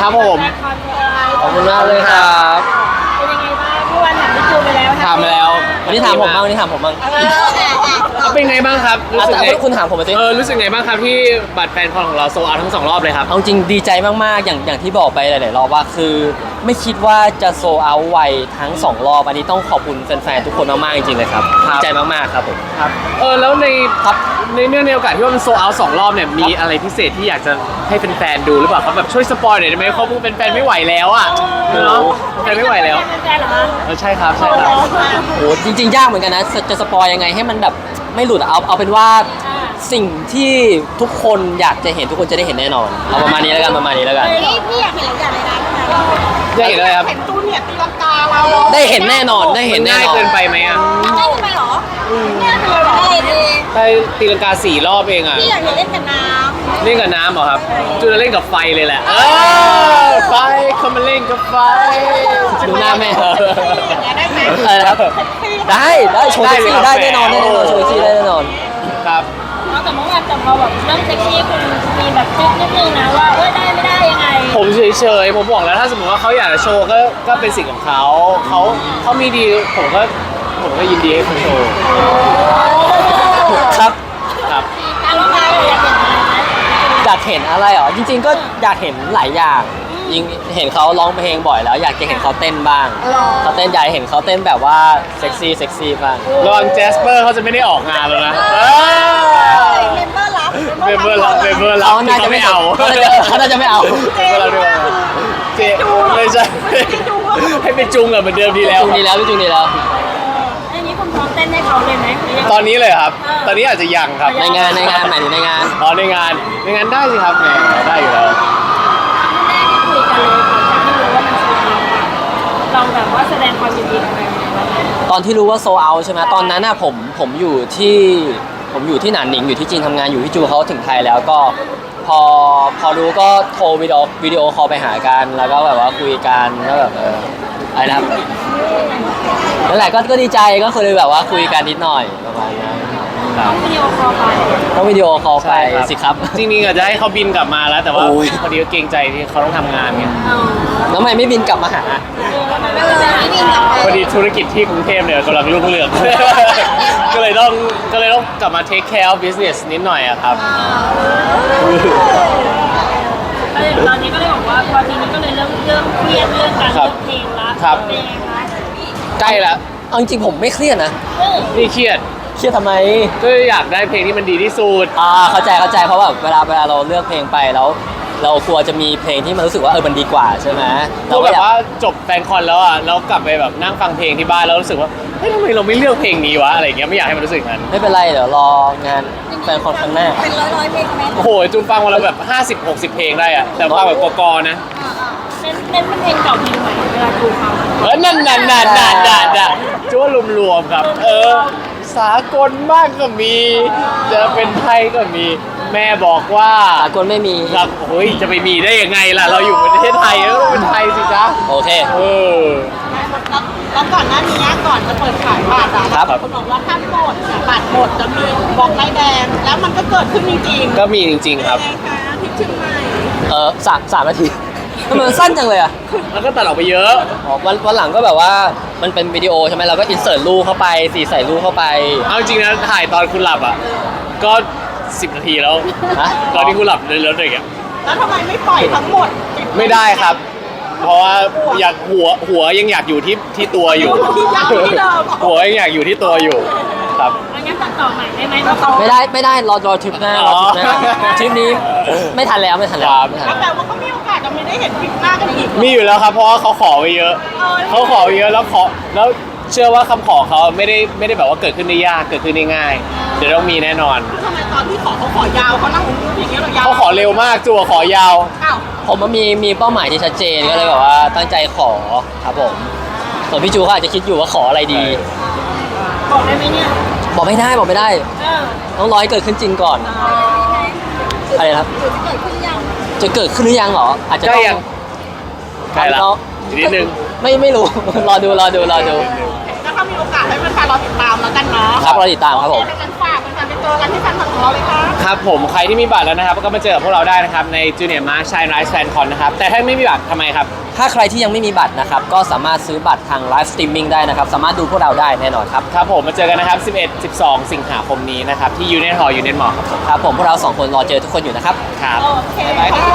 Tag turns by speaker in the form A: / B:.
A: ครับผม
B: ขอบคุณมากเลยครับ
C: เป็นยังไงบ้างเมื่อวานถามพี่จูไปแล้ว
A: ถามมาแล้ว
B: วันนี้ถามผมบ้างวันนี้ถามผมบ้าง
A: เป็นไงบ้างครับรู้สึกไง
B: คุณถามผมมาสิ
A: รู้สึกไงบ้างครับที่บัตรแฟนคอนของเราโซลเอาท์ทั้ง2รอบเลยครับ
B: เอาจริงดีใจมากๆอย่างที่บอกไปหลายๆรอบว่าคือไม่คิดว่าจะโซเอาไวทั้ง2รอบอันนี้ต้องขอบคุณแฟนๆทุกคนมากๆจริงๆเลยครับ
A: ครับ
B: ดีใจมากๆครับผม
A: ครับแล้วใน
B: ครับ
A: เนื่องในโอกาสที่ว่ามันโซลเอาท์2รอบเนี่ยมีอะไรพิเศษที่อยากจะให้แฟนๆดูหรือเปล่าครับแบบช่วยสปอยหน่อยได้ไหมเขาเป็นแฟนไม่ไหวแล้วอ่ะเนาะแฟนไม่ไหวแล้ว
C: เป็นแฟนเหรอคะ
A: ใช่ครับใช่ครับ
B: โอ้จริงๆยากเหมือนกันนะจะสปอยยังไงให้มันแบบไม่หลุดเอาเป็นว่าสิ่งที่ทุกคนอยากจะเห็นทุกคนจะได้เห็นแน่นอนเอาประมาณนี้แล้วกันประมาณนี้แล้วกัน
C: พี่อยากเห็นหลายอย่างเลยนะ
A: ได้เห็นอะไรครับ
C: เห็นตูนเนี่ยตีลังกาเรา
B: ได้เห็นแน่นอนได้เห็นแน่
A: ง่าย
B: นอน
A: เกินไปไหมอ่ะ
C: ได้ไปเหรอเนี่ยเลยเหรอได้ดี
A: ไปตีลังกา4 รอบเองอ่ะ
C: พี่อยากเห็นเล่นกับน้
A: เล่นกับน้ำเหรอครับจูจะเล่นกับไฟเลยแหละไฟเขามาเล่นกับไฟ
B: ดูหน้าแม่
C: ำอย่างเงี้ยได้ไหม
B: อะไรครับได้โชว์เซ็กซี่ได้แน่นอนโชว์เซ็กซี่ได้แน่นอน
A: ครับ
C: แต่เมื่อวานแต่พอแบบเรื่องเซ็กซี่คุณมีแบบทริคนิดนึงนะว่าได้ไม่ได้ยังไง
A: ผมเฉยๆผมบอกแล้วถ้าสมมติว่าเขาอยากจะโชว์ก็เป็นสิ่งของเขามีดีผมก็ยินดีให้เขาโชว์
B: ครับ
A: ครับ
C: การร้องไห้อยากเห็นอะไรไหม
B: อยากเห็นอะไรเหรอจริงๆก็อยากเห็นหลายอย่างยิงเห็นเขาร้องเพลงบ่อยแล้ว อยากจะเห็นเขาเต้นบ้างเขาเต้นอยากเห็นเขาเต้นแบบว่าเซ็กซี่บ้าง
A: ระวังแจสเปอร์เขาจะไม่ได้ออกงานแล้วนะ
C: เมมเบอร์รับ
A: เมมเบอร์รับ
B: เขาน่าจะไม่เอาเขาน่าจะไม่เอา
A: เมมเบอร์รับด้วยเจไม่ใช่ให้ไปจุงกับเหมือนเดิมดีแล้ว
B: จูงดีแล้วพี่จูงดีแล้ว
C: อันนี้คุณพร้อมเต้นให้เขาเลยไหม
A: ตอนนี้เลยครับ ตอนนี้อาจจะยังครับ
B: ในงานหมายถึงในงาน
A: อ๋อในงานได้สิครับแหมได้อยู่แล้ว
C: แรกที่คุยกันเลยหลังจากที่รู้ว่ามันโซลเราแบบว่าแสดงความยินดีกับแฟนๆ
B: ตอนที่รู้ว่าโซเอาใช่ไหมตอนนั้นน่ะผมอยู่ที่หนานหนิงอยู่ที่จีนทำงานอยู่ที่จูเขาถึงไทยแล้วก็พอรู้ก็โทรวิดีโอคอลไปหากันแล้วก็แบบว่าคุยกันแล้วแบบอะไรนะครับนั่นแหละก็ดีใจก็คือแบบว่าคุยกันนิดหน่อยประมาณนั้น
C: ต้องวิดีโอคอลไป
B: ต้องวิดีโอคอลไปสิครับ
A: จริงๆอาจจะให้เขาบินกลับมาแล้วแต่ว่า
B: โอ้ย
A: พอดีก็เกรงใจที่เขาต้องทำงานไง
B: แล้วทำไมไม่บินกลับมาหา
C: ไม่เป็นไรไม่บินกลับไป
A: พอดีธุรกิจที่กรุงเทพเนี่ยกำลังรุ่งเรือง ก็เลยต้องกลับมา take care of business นิดหน่อยอะครับ
C: ตอนนี้ก็เลยบอกว่าพอทีนี้ก็เลยเริ่มเครียดเรื่องการเลือกเพลงละ
A: ครับ
C: เป็นยังไงคะ
A: ใกล้แล้ว
B: เอาจริงๆผมไม่เครียดนะ
A: นี่เครียด
B: เครียดทำไม
A: ก็อยากได้เพลงที่มันดีที่สุด
B: เข้าใจเพราะแบบเวลาเราเลือกเพลงไปแล้ว เรากลัวจะมีเพลงที่มันรู้สึกว่ามันดีกว่าใช่ไหม
A: ก็แบบว่าจบแฟนคอนแล้วอ่ะแล้วกลับไปแบบนั่งฟังเพลงที่บ้านแล้วรู้สึกว่าเฮ้ยทำไมเราไม่เลือกเพลงนี้วะอะไรอย่างเงี้ยไม่อยากให้มันรู้สึกงั้น
B: ไม่เป็นไรเดี๋ยวรองานแฟนคอนครั้งหน้า
C: เป็นร้อยเพลงไหม
A: โอ้โหจูนฟังวันละแบบ50-60 เพลงได้อ่ะแต่ฟังแบบกอๆนะ
C: เน้นเป็นเพลงเก่าเพลงใหม่เวลาดูฟัง
A: นั่นจูว่ารวมๆครับสากลมากก็มี จะเป็นไทยก็มี แม่บอกว่า
B: สากลไม่มี
A: ครับเฮ้ยจะไปมีได้ยังไงล่ะเราอยู่ประเทศไทยแล้วเป็นไทยสิจ๊ะ
B: โอเค
C: แล้วก่อนหน้านี้ก่อนจะเปิดขายบัตรอะ
B: ครับ
C: คุณบอกว่าถ้าหมดบัตรหมดจะมีบอกไล่แดงแล้วมันก็เกิดขึ้นจริงๆ
A: ก็มีจริงๆครับ
C: เป็นไงคะที่เชียงใหม่
B: สามนาทีทำไมมันสั้นจังเลยอ่ะ
A: แล้วก็ตัดออกไปเยอะ
B: วันหลังก็แบบว่ามันเป็นวิดีโอใช่ไหมเราก็อินเสิร์ตรูปเข้าไปใส่รูปเข้าไป
A: เอาจริงนะถ่ายตอนคุณหลับอ่ะก็10 นาทีแล้ว
B: ฮะ
A: ตอนที่คุณหลับเลยแล้วเด็กอ่ะ
C: แล้วทำไมไม่ปล่อยทั้งหมด
A: ไม่ได้ครับ เพราะว่าอยากหัวยังอยากอยู่ที่ตัวอยู่
C: ยังอยู่ที่เดิม
A: หัวยังอยากอยู่ที่ตัวอยู่ครับ
C: งั้นตัดต่อใหม่ได้ไหมเราต่อ
B: ไม่ได้รอทริปหน้ารอทริปหน้า
A: อ๋อ
B: ทริปนี้ไม่ทันแล้วไม่ทันแล้ว
A: ครับ
B: ไม่ทันแล้ว
C: แต่ว่าก็มีโอกาสจะไม่ได้เห็นคลิปหน้ากันอีก
A: มีอยู่แล้วครับเพราะว่าเขาขอไว้เยอะเขาขอไว้เยอะแล้วเชื่อว่าคำขอเขาไม่ได้แบบว่าเกิดขึ้นได้ยากเกิดขึ้นได้ง่ายเดี๋ยวต้องมีแน่นอน
C: ทำไมตอนที่เขาขอยาวเขานั่งอย่างเงี้ยเรายาว
A: เขาขอเร็วมากจั่วขอยาว
C: อ้าว
B: ผมมันมีเป้าหมายที่ชัดเจนก็เลยแบบว่าตั้งใจขอครับผมส่วนพี่จูเขาอาจจะคิดอยู่ว่าขออะไรดี
C: บอกได้ไหมเนี่ย
B: บอกไม่ได้ ต้องรอให้เกิดขึ้นจริงก่อนอะไรนะครับ จะเกิดขึ้นหรือยังเหรออาจจะ
A: ใก
B: ต้
A: ล้
B: อง
A: ยังใกล้ละอีกนิดนึง
B: ไม่รู้ รอดู
C: แล้วถ้ามีโอกาสให้แฟนๆรอติดตามแล้วกันเนาะ
B: ครับรอติดตามครับผม
C: ให้กันฝากแฟการเป็นตัวกันที่แฟนคลับของเราเลยค่ะ
A: ครับผมใครที่มีบัตรแล้วนะครับก็มาเจอกับพวกเราได้นะครับใน Junior Mark Shine Rise Fan Con นะครับแต่ถ้าไม่มีบัตรทำไมครับ
B: ถ้าใครที่ยังไม่มีบัตรนะครับก็สามารถซื้อบัตรทางไลฟ์สตรีมมิ่งได้นะครับสามารถดูพวกเราได้แน่นอนครับ
A: ครับผมมาเจอกันนะครับ 11-12 สิงหาคมนี้นะครับที่ Union Hall Union Mall ครับผม
B: ครับผมพวกเราสองคนรอเจอทุกคนอยู่นะครับ
A: ครับ
C: โอเคค่ะ